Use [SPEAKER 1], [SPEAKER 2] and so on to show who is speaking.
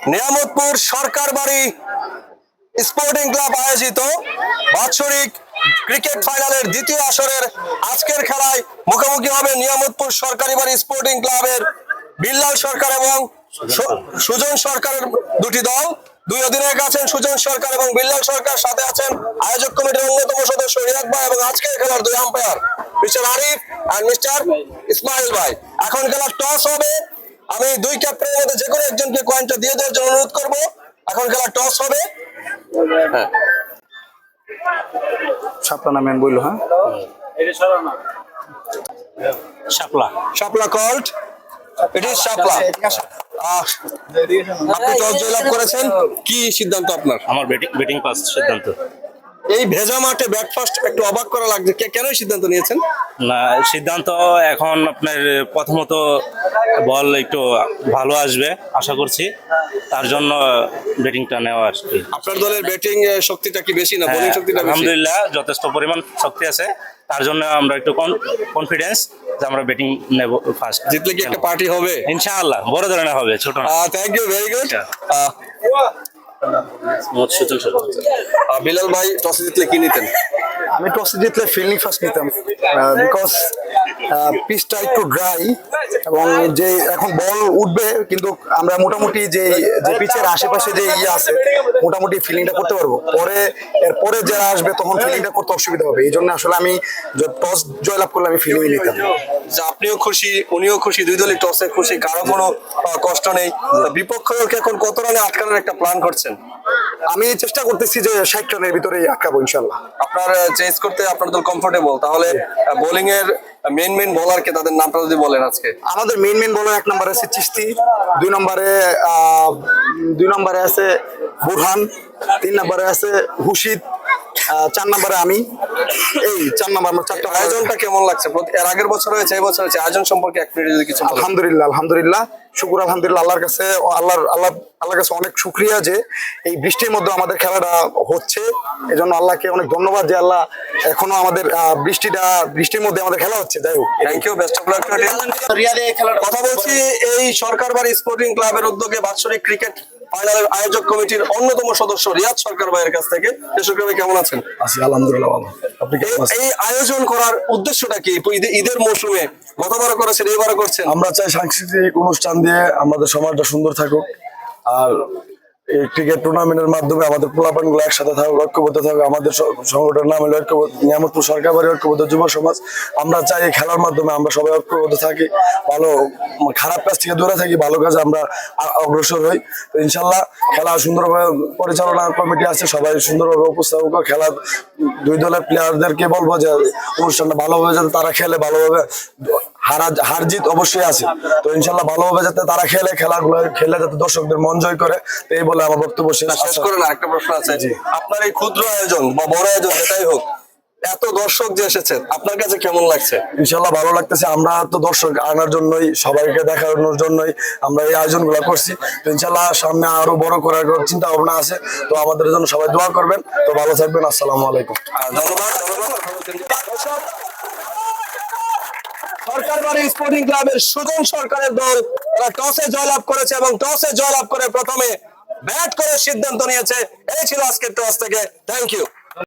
[SPEAKER 1] নিয়ামতপুর সরকার বাড়ি sporting club আয়োজিত বাৎসরিক ক্রিকেট ফাইনালের দ্বিতীয় আসরের আজকের খেলায় মুখোমুখি হবে নিয়ামতপুর সরকারি বাড়ি স্পোর্টিং ক্লাবের বিল্লাল সরকার এবং সুজন সরকারের দুটি দল। দুই অধিনায়ক আছেন সুজন সরকার এবং বিল্লাল সরকার, সাথে আছেন আয়োজক কমিটির অন্যতম সদস্য রিয়াদ ভাই এবং আজকের খেলার দুই আম্পায়ার মিস্টার আরিফ আর মিস্টার ইসমাইল ভাই। এখন খেলার টস হবে। আমি দুই ক্যাপ্টেনের মধ্যে যে কোনো একজনকে কয়েনটা দিয়ে দেওয়ার জন্য অনুরোধ করবো। এখন খেলা টস হবে।
[SPEAKER 2] শাপলা নামেন বললো, হ্যাঁ
[SPEAKER 3] শাপলা
[SPEAKER 1] শাপলা কল্ড, ইট ইজ শাপলা। আপনি টস জয়লাভ করেছেন, কি সিদ্ধান্ত আপনার?
[SPEAKER 3] আমার ব্যাটিং পাস সিদ্ধান্ত।
[SPEAKER 1] এই ভেজা মাঠে ব্যাট ফার্স্ট একটু অবাক করা লাগছে, কেন সিদ্ধান্ত নিয়েছেন?
[SPEAKER 3] না, সিদ্ধান্ত এখন আপনার প্রথমত বল একটু ভালো আসবে আশা করছি, তার জন্য ব্যাটিংটা নেওয়া আর কি।
[SPEAKER 1] আপনার দলের ব্যাটিং শক্তিটা কি বেশি না বোলিং শক্তিটা বেশি?
[SPEAKER 3] আলহামদুলিল্লাহ যথেষ্ট পরিমাণ শক্তি আছে, তার জন্য আমরা একটু কনফিডেন্স যে আমরা ব্যাটিং নেব ফার্স্ট।
[SPEAKER 1] জিতলে কি একটা পার্টি হবে?
[SPEAKER 3] ইনশাআল্লাহ বড় ধরনের হবে, ছোট না।
[SPEAKER 1] Thank you, very good. Bilal ভাই, টসে জিতলে কি নিতেন?
[SPEAKER 2] আমি টসে জিতলে ফিল্ডিং ফার্স্ট নিতাম, বিকজ পিচটা একটু ড্রাই এবং যে এখন বল উঠবে, কিন্তু আমরা মোটামুটি যে পিচের আশেপাশে যে আছে মোটামুটি ফিল্ডিংটা করতে পারবো। এরপরে যারা আসবে তখন ফিল্ডিংটা করতে অসুবিধা হবে, এই জন্য আসলে আমি টস জয়লাভ করলে আমি ফিল্ডিং নিতাম।
[SPEAKER 1] আপনিও খুশি, উনিও খুশি, দুই দলই টসে খুশি, কারো কোনো কষ্ট নেই। বিপক্ষ দলকে এখন কত রানে আটকানোর একটা প্ল্যান করছেন?
[SPEAKER 2] আমি চেষ্টা করতেছি যে 60 রানের ভিতরে আটকাবো ইনশাল্লাহ।
[SPEAKER 1] আপনার চেস করতে আপনার দল কমফোর্টেবল, তাহলে বোলিং এর মেন বোলারকে তাদের নামটা যদি বলেন আজকে।
[SPEAKER 2] আমাদের মেন বোলার 1 নম্বরে আছে চিস্তি, 2 নম্বরে আছে বুরহান, 3 নম্বরে আছে হুশিদ, 4 নম্বরে আমি। এই 4 নম্বর আমার 4টা।
[SPEAKER 1] আয়োজনটা কেমন লাগছে? এর আগের বছর হয়েছে, এই বছর হয়েছে, আয়োজন সম্পর্কে এক মিনিট যদি কিছু বলেন।
[SPEAKER 2] আলহামদুলিল্লাহ শুকুর আলহামদুলিল্লাহ আল্লাহর কাছে, আল্লাহর কাছে অনেক শুকরিয়া যে এই বৃষ্টির মধ্যে আমাদের খেলাটা হচ্ছে। এই জন্য আল্লাহকে অনেক ধন্যবাদ যে আল্লাহ এখনো আমাদের বৃষ্টির মধ্যে আমাদের খেলা হচ্ছে। যাই হোক,
[SPEAKER 1] thank you, best of luck. রিয়াদে খেলার কথা বলছি। এই সরকার বাড়ি স্পোর্টিং ক্লাবের উদ্যোগে বাৎসরিক ক্রিকেট ফাইনালের আয়োজক কমিটির অন্যতম সদস্য রিয়াদ সরকার ভাইয়ের কাছ থেকে। সরকার ভাই কেমন আছেন?
[SPEAKER 2] আছি আলহামদুলিল্লাহ ভালো। আপনি কেমন আছেন?
[SPEAKER 1] এই আয়োজন করার উদ্দেশ্যটা কি? ঈদের মৌসুমে গতবারও করেছেন, এবারও করছেন।
[SPEAKER 4] আমরা চাই সাংস্কৃতিক অনুষ্ঠান দিয়ে আমাদের সমাজটা সুন্দর থাকুক, আর এই ক্রিকেট টুর্নামেন্টের মাধ্যমে আমাদের পোলাপানগুলো একসাথে থাকুক, ঐক্যবদ্ধ থাকুক। আমাদের সংগঠনের নাম হলো নিয়ামতপুর সরকার বাড়ি ঐক্যবদ্ধ যুব সমাজ। আমরা চাই এই খেলার মাধ্যমে আমরা সবাই ঐক্যবদ্ধ থাকি, ভালো খারাপ কাজ থেকে দূরে থাকি, ভালো কাজে আমরা অগ্রসর হই। তো ইনশাল্লাহ খেলা সুন্দরভাবে পরিচালনা কমিটি আছে, সবাই সুন্দরভাবে উপস্থাপক। খেলা দুই দলের প্লেয়ারদেরকে বলবো যে অনুষ্ঠানটা ভালোভাবে যাতে তারা খেলে, ভালোভাবে হার জিত অবশ্যই আছে, তো ইনশাল্লাহ ভালোভাবে যাতে তারা খেলাগুলো খেলে যাতে দর্শকদের মন জয় করে, তো এই বলে আমার বক্তব্য শেষ।
[SPEAKER 1] শেষ করে না, একটা প্রশ্ন আছে। আপনার এই ক্ষুদ্র আয়োজন বা বড় আয়োজন যেটাই হোক, এত দর্শক যে এসেছে, আপনার কাছে কেমন লাগছে?
[SPEAKER 4] ইনশাল্লাহ ভালো লাগতেছে। আমরা তো দর্শক আনার জন্যই, সবাইকে দেখানোর জন্যই আমরা এই আয়োজন গুলা করছি। তো ইনশাল্লাহ সামনে আরো বড় করার চিন্তা ভাবনা আছে, তো আমাদের জন্য সবাই দোয়া করবেন। তো ভালো থাকবেন, আসসালামু আলাইকুম।
[SPEAKER 1] ধন্যবাদ। সরকার বাড়ি স্পোর্টিং ক্লাবের সুজন সরকারের দল, তারা টসে জয়লাভ করেছে এবং টসে জয়লাভ করে প্রথমে ব্যাট করে সিদ্ধান্ত নিয়েছে। এই ছিল আজকের টস থেকে। Thank you.